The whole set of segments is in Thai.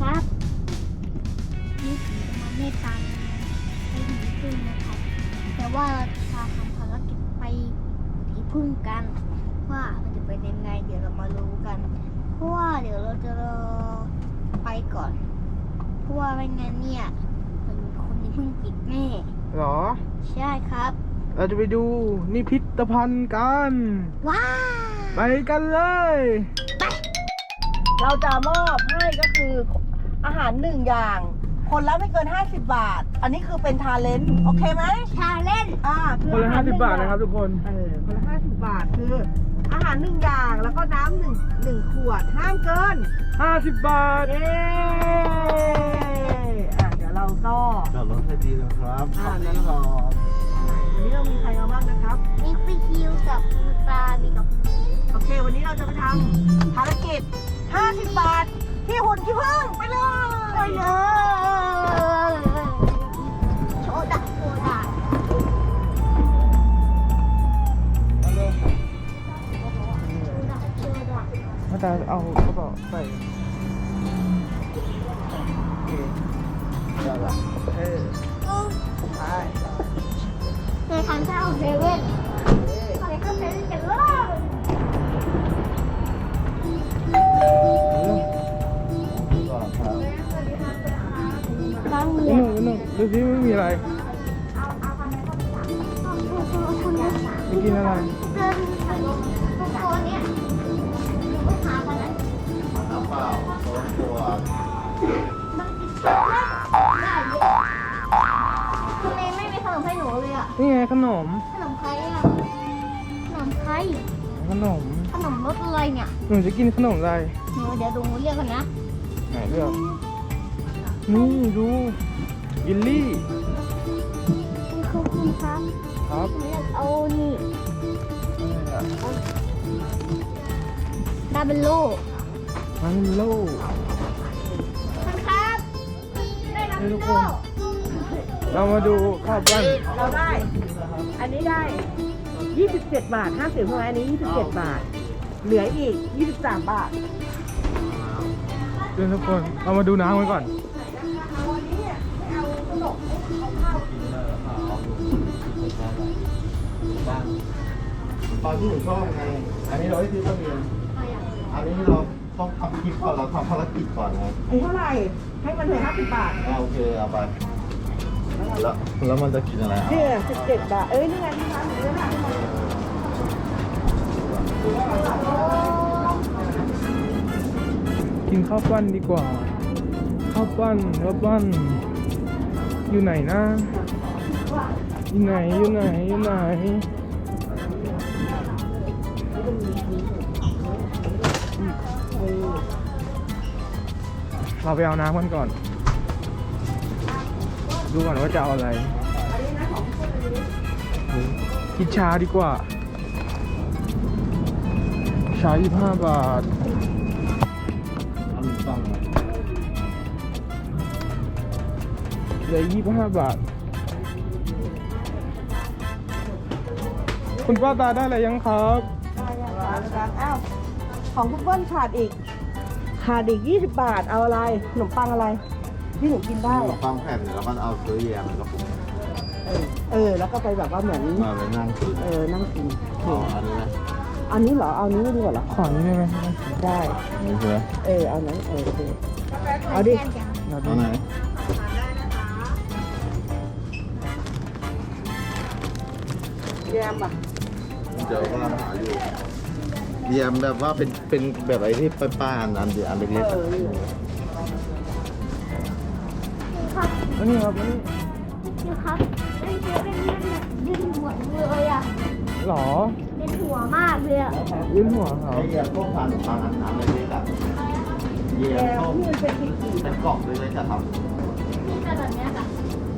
ครับนี่ผมจะมาเมตตาไปถึงพึ่งนะครับแต่ว่าเราจะทำภารกิจไปที่พึ่งกันว่ามันจะเป็นยังไงเดี๋ยวเรามารู้กันเพราะว่าเดี๋ยวเราจะรอไปก่อนเพราะว่าไม่งั้นเนี่ยมันคนที่พึ่งปิดแน่หรอใช่ครับเราจะไปดูนิพิธภัณฑ์กันว้าไปกันเลยเราจะมอบให้ก็คืออาหาร1อย่าง คนละไม่เกิน50 บาท อันนี้คือเป็นทาเลนต์โอเคไหมชาเล่นคือคนละอาหาร 50 บาทนะครับทุกคนคนละ50 บาทคืออาหาร1อย่างแล้วก็น้ำหนึ่งขวดห้ามเกิน 50 บาทเย้เดี๋ยวเราก็จอดรถให้ดีนะครับขอบนั่นคุณแหละครับวันนี้เรามีใครมาบ้างนะครับมีฟิคิวกับคุณตามีกับคุณหมีโอเค วันนี้เราจะไปทำภารกิจ50 บาท ที่หุ่นขี้ผึ้งไปเลยไปเลยโชว์ดักโชว์ดักมาตาเอากระเป๋าใส่ไปในทางเข้าเซเว่นไปเข้าเซเว่นกันเลยก่อนครับบางเรียหนนึ่งดูสิไม่มีอะไรคุณนะไม่กินอะไรเดินตรงตัวเนี้ยลูกค้ากันนะน้ำเปล่าตัวมันติดได้เยอะทำไมไม่มีขนมให้หนูเลยอ่ะนี่ไงขนมขนมใครอ่ะขนมใครขนมขนมรสอะไรเนี่ยหนูจะกินขนมอะไรเดี๋ยวดูเรียกกันนะไหนเลือกนี่ดูยิลลี่ขอบคุณครับครับหนูอยากเอานี่ดาเบลโลมันโลครับได้ดาเบลโลเรามาดูข้าวปั้นเราได้ อันนี้ได้ 27 บาท50ใช่ไหมอันนี้ 27 บาท เหลืออีก 23 บาทเพื่อนทุกคนเรามาดูน้ำกันก่อนตอนที่หนูชอบไง อันนี้เราให้ซื้อทะเบียนอันนี้เราต้องทำคลิปก่อนเราทำภารกิจก่อนไงอันเท่าไหร่ ให้มันเหลือ50 บาทโอเคเอาไปแล้วมันจะกินอะไรเนี่ย17 บาท นี่ไงที่ร้านหนูเยอะมากกินข้าวปั้นดีกว่า ข้าวปั้นอยู่ไหนนะ อยู่ไหนเราไปเอาน้ำกันก่อน ดูก่อนว่าจะเอาอะไรกินชาดีกว่า ชา25 บาทเอาฟังเหลือ25 บาท คุณป้าตาได้อะไรยังครับอ้าว ของคุณเบิ้ลขาดอีก 20 บาท เอาอะไร ขนมปังอะไร ที่หนูกินได้เราฟังแผ่นแล้วก็เอาซื้อแยมแล้วก็แล้วก็ไปแบบว่าเหมือนมาไปนั่งกินนั่งกินอ๋ออันนี้นะอันนี้เหรอ เอานี้ดีกว่าเหรอขอนี้ได้ไหมได้นี่ใช่ไหมเอานั้นโอเคเอาดิเราเอาดูไหนแยมอ่ะเจอว่าหาอยู่แยมแบบว่าเป็นแบบไอ้ที่ป้าๆอันเดียวอันเล็กๆอะครับอันนี้ครับอันนี้นี่ครับไอ้เซเว่นนั่นน่ะดึงหัวเลยอ่ะหรอเป็นหัวมากเลยอ่ะยื่นหัวเขาไอ้แยมพวกทานปังอันเล็กๆอะแยแยมมพวกที่มันเป็นขีดเป็นกล่องเลยจะทำแต่แบบเนี้ยค่ะ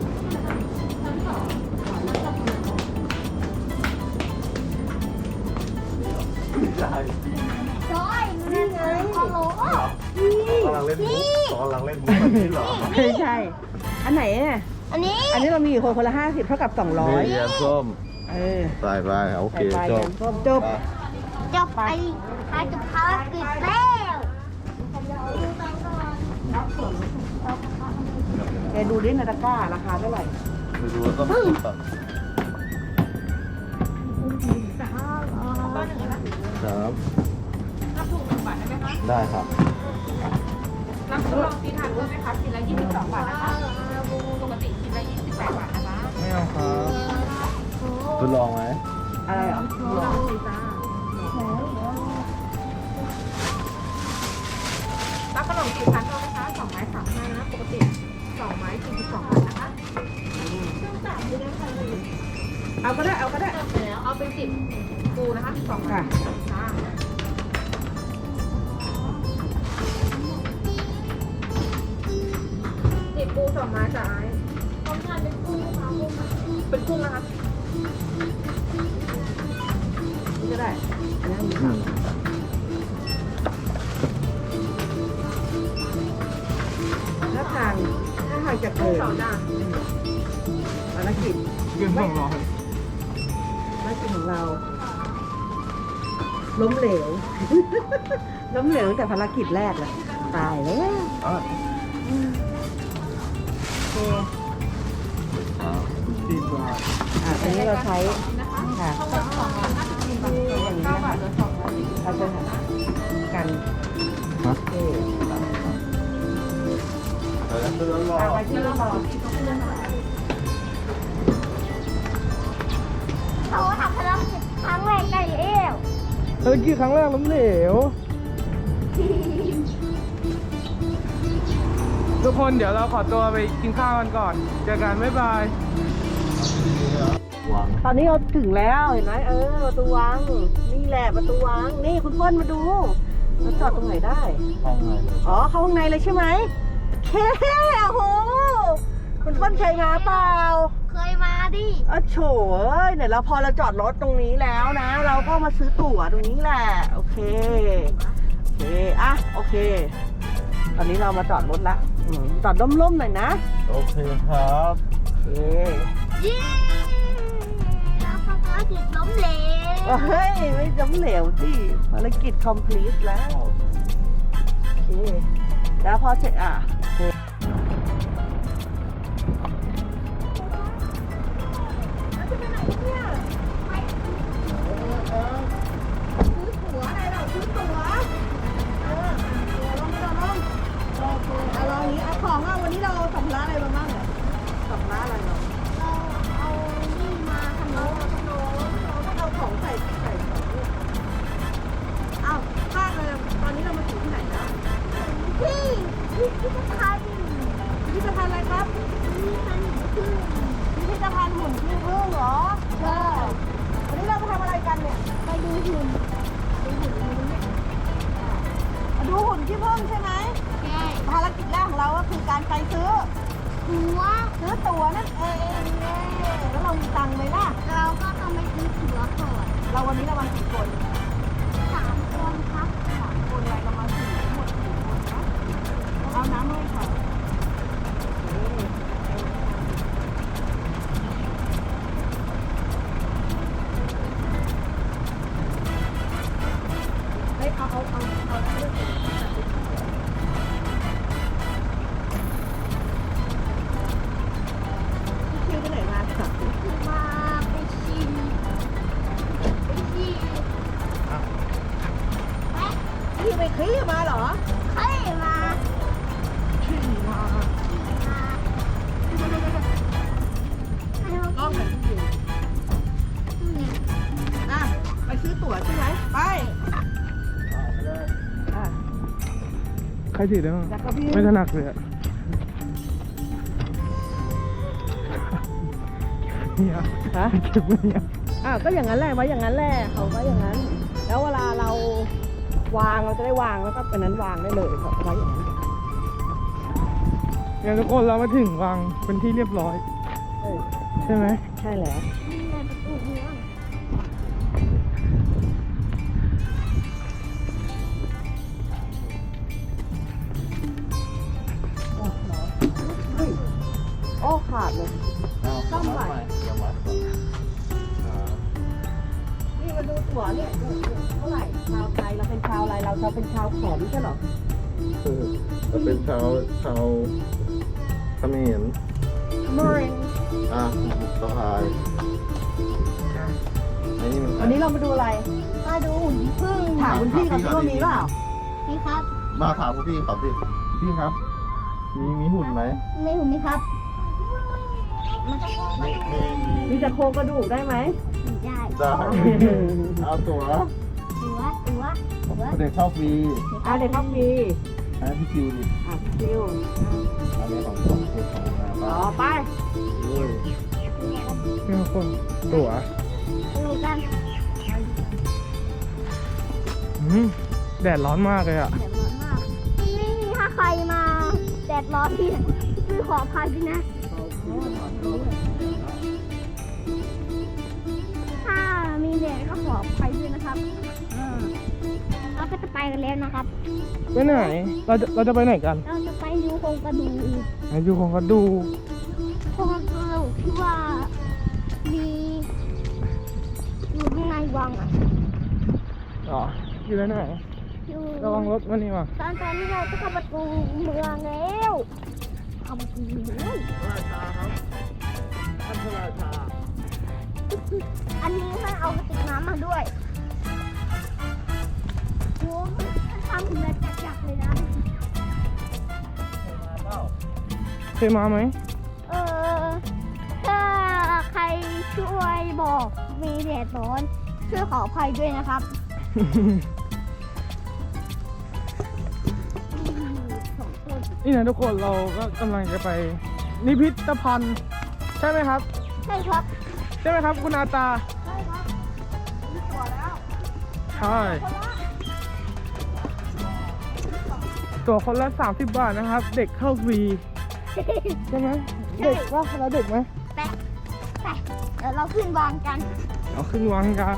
ใช่จอยนี่ไงฮัลโหลกำลังเล่นมุกกำลังเล่นมุกแบบนี้เหรอไม่ใช่ อันไหนเนี่ยอันนี้อันนี้เรามีอยู่คนละ50 เท่ากับนี่แยมส้ม 200 ใส่ไปโอเคไปจแยบมส้มจบจบไปจบภารกิจแล้วไปแกดูดินาฬิการาคาเท่าไหร่ไปดูแล้วก็มาคิดก่อนครับรับถูก1 บาทได้ไหมคะได้ครับรับทดลองตีทานเพิ่มไหมคะชิ้นละ22 บาทนะคะปกติชิ้นละ28 บาทนะคะไม่เอาครับทดลองไหมอะไรเหรอลองสิจ้ารับขนมจีบพันเท่าไหมคะ2 ไม้ 35 นะ ปกติ2 ไม้ 42 บาทนะคะเอาก็ได้เอาก็ได้เอาเป็น10ปูนะคะ12 บาทค่ะ10 ปู 2 ไม้จ้าเป็นกุ้งนะคะนี่ก็ได้อันนั้นอืมถ้าทางจะกุ้เกิงน 2 จ้าภารกิจเกิน200 ภารกิจของเรา ล้มเหลว ล้มเหลวตั้งแต่ภารกิจแรกเลยตายแล้วอ่ะโอเคดีกว่าอันนี้เราใช้นะคะค่ะข้าวหวาน254 บาทอย่างนี้ 9 นะบาคะทเหลือ240 เราจะกันฮะโอเคเดี๋ยวจะทดลองไปที่เราเขาทำภารกิจครั้งแรกได้แล้วภารกิจครั้งแรกล้มเหลว ทุกคนเดี๋ยวเราขอตัวไปกินข้าวกันก่อน เจอกันบ๊ายบายวางตอนนี้เราถึงแล้วเห็นไหมประตูวังนี่แหละประตูวังนี่คุณเปิ้ลมาดูเราจอดตรงไหนได้ห้องไงเลยอ๋อเข้าข้างในเลยใช่ไหมเคโอ้โหคุณเปิ้ลเคยมาเปล่าเคยมาดิอ๋อโฉยเนี่ยเราพอเราจอดรถตรงนี้แล้วนะ เราก็มาซื้อตั๋วตรงนี้แหละโอเคโอเคอ่ะโอเค ตอนนี้เรามาจอดรถละจอดร่มๆหน่อยนะโอเคครับโอเคเย้แล้วภารกิจล้มเหลวเฮ้ยไม่ล้มเหลวสิภารกิจ complete แล้วโอเคแล้วพอเสร็จโอเควันนี้เราสัมภาระอะไรมาบ้างเนี่ยสัมภาระอะไรเนาะเราเอานี่มาขนมเราต้องเอาของใส่ของเนี่ยอ้าวพลาดเลยตอนนี้เรามาถึงที่ไหนแล้วที่พิพิธภัณฑ์พิพิธภัณฑ์อะไรครับพิพิธภัณฑ์หุ่นขี้ผึ้งพิพิธภัณฑ์หุ่นขี้ผึ้งเหรอใช่วันนี้เรามาทำอะไรกันเนี่ยไปดูหุ่นมาดูหุ่นขี้ผึ้งใช่ไหมใช่ภารกิจแรกของเราก็คือการไปซื้อหัวตั๋วนั่นเองแล้วเรามีตังค์ไหมล่ะเราก็ต้องไปซื้อตั๋วก่อนวันนี้เรามากี่คน 3 คนครับคนอะไรเรามา4ทั้งหมด4คนนะเอาน้ำให้ค่ะคิวไปไหนมาค่ะมาไปชิมไปชิมแม่คิวไปขี้มาเหรอเคยมาขี้มามาก็เหมือนคิวไปซื้อตั๋วใช่ไหมไปอ่ะใครถือได้บ้างแล้วก็พี่ไม่ถนัดเลยอะเนี่ยฮะเก็บไว้เนี่ยก็อย่างนั้นแหละไว้อย่างนั้นแหละเขาไว้อย่างนั้น แล้วเวลาเราวางเราจะได้วางแล้วก็เป็นนั้นวางได้เลยเขาไว้อย่างนั้นงั้นทุกคนเรามาถึงวังเป็นที่เรียบร้อยเออใช่ไหมใช่แล้วนี่ไงประตูเมืองโอ้ขาดเลยซ่อมใหม่ยังวัดก่อนนี่มาดูตั๋วเนี่ยเท่าไหร่ชาวไทยเราเป็นชาวอะไรเราเป็นชาวแขมใช่เหรอจะเป็นชาวขมิ้นมอริงอ่ะสะพายอันนี้มันวันนี้เรามาดูอะไรมาดูหุ่นพึ่งถามคุณพี่เขาว่ามีเปล่านี่ครับมาถามคุณพี่เขาสิพี่ครับ มีหุ่นไหมไม่หุ่นไหมครับมีจะโครงกระดูกได้ไหมได้ได้เอาตัวตัวเด็กเข้าฟรีเอาเด็กครับมีอันนี้พี่คิวดิคิวอันนี้ของคุณของนาอ๋บ้าอไปเฮ้ยนี่คนตั๋วดูกันแดดร้อนมากเลยอ่ะแดดร้อนมากไม่มีถ้าใครมาแดดร้อนที่คือขออภัยด้วยนะ ถ้ามีแดดก็ขออภัยด้วยนะครับเราก็จะไปกันแล้วนะครับไปไหน เราจะไปไหนกันเราจะไปดูโครงกระดูกอยู่ของกระดูโครงกระดูกที่ว่ามีอยู่ข้างในวังอ่ะอ๋ออยู่แล้วไหนอยู่ระวังรถวันนี้มาตอนนี้เราจะเข้าประตูเมืองแล้วเข้าประตูเมืองราชาครับท่านพระราชาอันนี้ท่านเอากระติกน้ำมาด้วยโอ้ท่านทำเหมือนจักรเลยนะเคยมาไหมถ้าใครช่วยบอกมีแดดร้อนช่วยขออภัยด้วยนะครับนี่นะทุกคนเราก็กำลังจะไปนิพิธภัณฑ์ใช่ไหมครับใช่ครับใช่ไหมครับคุณอาตาใช่ครับใช่ตั๋วคนละ30 บาทนะครับ เด็กเข้าฟรีใช่ไหมเด็กว่าเราเด็กไหมแต่เดี๋ยวเราขึ้นวางกันเอาขึ้นวางกัน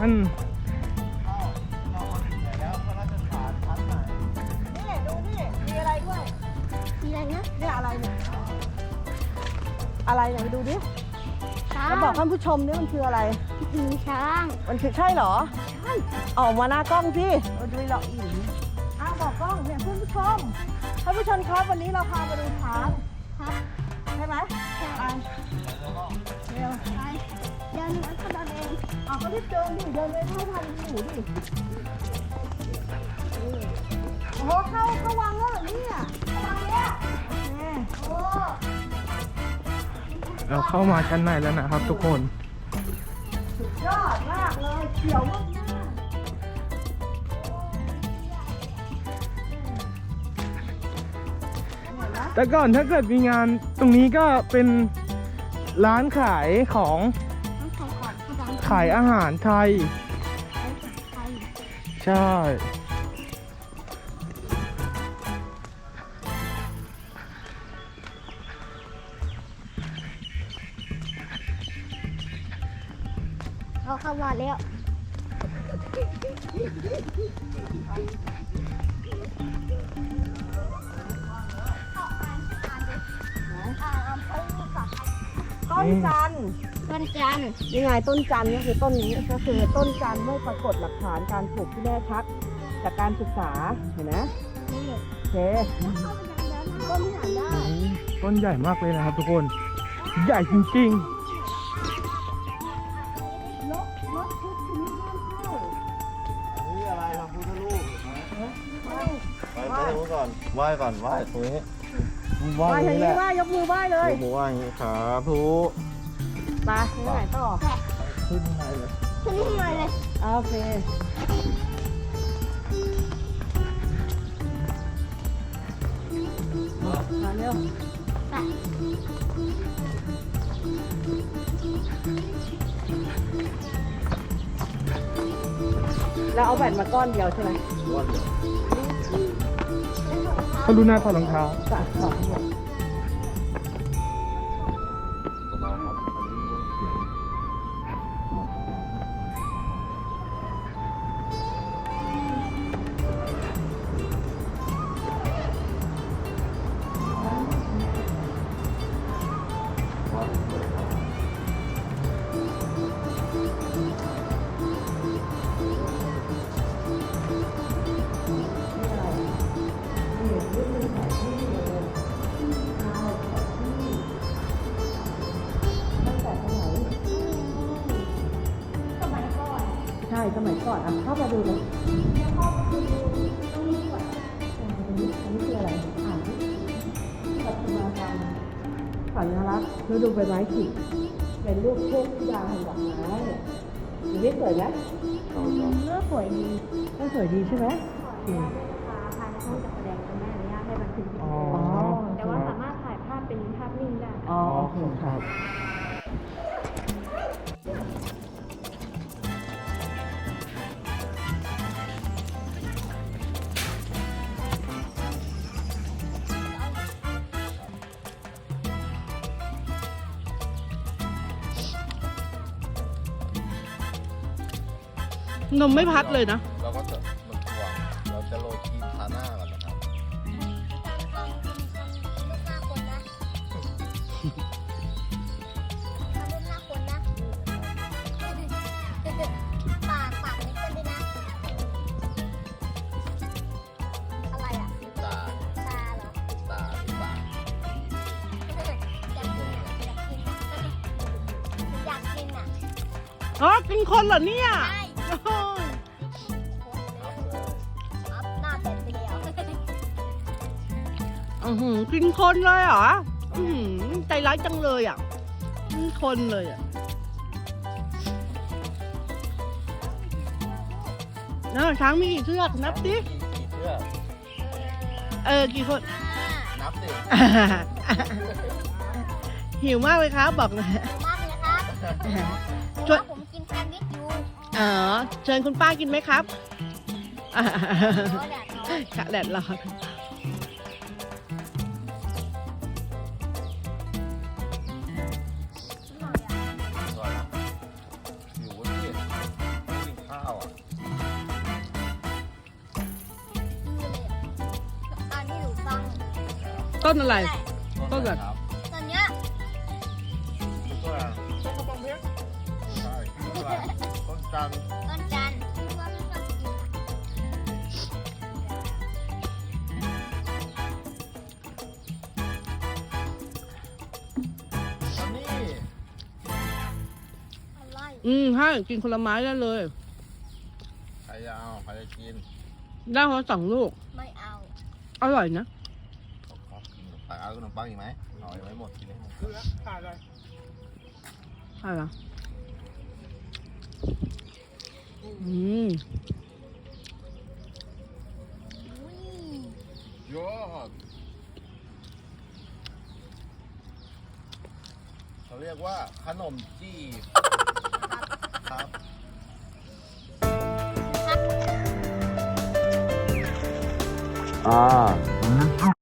นี่ดูนี่มีอะไรด้วยทีไรนะเนี่ยอะไรเนี่ยอะไรเนี่ยไปดูดิช้างแล้วบอกท่านผู้ชมนี่มันคืออะไรมีช้างมันคือใช่เหรอใช่ออกมาหน้ากล้องสิมาดูหรอกอีกบอกกล้องเนี่ยเพื่อนผู้ชมท่านผู้ชมครับวันนี้เราพามาดูช้างครับใช่ไหมใช่ไปเร็วไปเดี๋ยวหนูก็เดินเองเอาก็รีบเดินดิเดินไปเท่าทันหนูดิโอ้โหเข้าวังแล้วเหรอเนี่ยเข้าวังแล้วแม่โอ้เราเข้ามาชั้นในแล้วนะครับ ทุกคนสุดยอดมากเลยเขียวมากแต่ก่อนถ้าเกิดมีงานตรงนี้ก็เป็นร้านขายของต้องขอขอบคุณดังขายอาหารไทยไทยใช่เราเข้ามาแล้วต้นจันทร์ต้นจันทร์นี่ไงต้นจันทร์ก็คือต้นนี้ก็คือต้นจันทร์เมื่อปรากฏหลักฐานการปลูกที่แน่ชัดจากการศึกษาเห็นไหมนี่โอเคต้นหาได้ต้นใหญ่มากเลยนะครับทุกคน ใหญ่จริงรถทุกชนิดห้ามเข้านี่อะไรทำพุทธรูปไปดูก่อนไหว้ก่อนไหว้ตรงนี้ไหว้ไหว้ตรทาง งนี้นี้แหละไหว้ยกมือไหว้เลยยกมือไหว้อย่างนี้ครับทุไปไปไหนต่อขึ้นข้างในเลยชนิดหน่อยเลยโอเคมาเร็วไปแล้วเอาแบตมาก้อนเดียวใช่ไหมม้วนเดียวๆเขาดูหน้าถอดรองเท้าจ้ะสองหมดมาครับอันนี้เสียงนสมัยก่อนอ่ะเข้ามาดูเลยอันนี้คืออะไรอ่านปัจจุบันการสัญลักษณ์ฤดูใบไม้ผลิเป็นรูปเทพธิดาแห่งดอกไม้อย่างนี้สวยไหมเลือกสวยดีก็สวยดีใช่ไหมภายในห้องจัดแสดงจะไม่อนุญาตให้บันทึกวิดีอ๋อโอแต่ว่าสามารถถ่ายภาพเป็นภาพนิ่งได้อ๋อโอเคครับนมไม่พัดเลยนะเราก็จะมันถ่วงเราจะโรยครีมทาหน้าก่อนนะครับปากเล็กกันด้วยนะอะไรอ่ะตาตาเหรอตาที่ปากอยากกินอ่ะอ๋อ กินคนเหรอเนี่ยใช่โอ้ยอัพหน้าเป็ดไปแล้วกินคนเลยเหรอใจร้ายจังเลยอ่ะกินคนเลยอ่ะช้างมีกี่เชือกนับดิกี่เชือกกี่คนนับดิหิวมากเลยครับ บอกเลยมากเลยครับช่วยผมกินแซนด์วิชอยู่เชิญคุณป้ากินไหมครับเพราะแดดร้อนกะแดดร้อนก่อนนะหิวเว้ยไม่กินข้าวอ่ะตอนที่หนูฟังต้นอะไร ต้นอะไรครับตอนเนี้ยต้นอะไรต้นกระบองเพชรใช่ต้นอะไรต้นจันทร์ต้นจันทร์ว่าไม่ชอบกินอะอันนี้อะไรให้กินคนละไม้ได้เลยใครจะเอาใครจะกินได้คนละ2 ลูกไม่เอาอร่อยนะเอาขนมปังอีกไหมเอาไว้หมดกินให้หมดถ่ายอะไรใช่เหรออุ้ยยอดเขาเรียกว่าขนมจีบครับ Ah.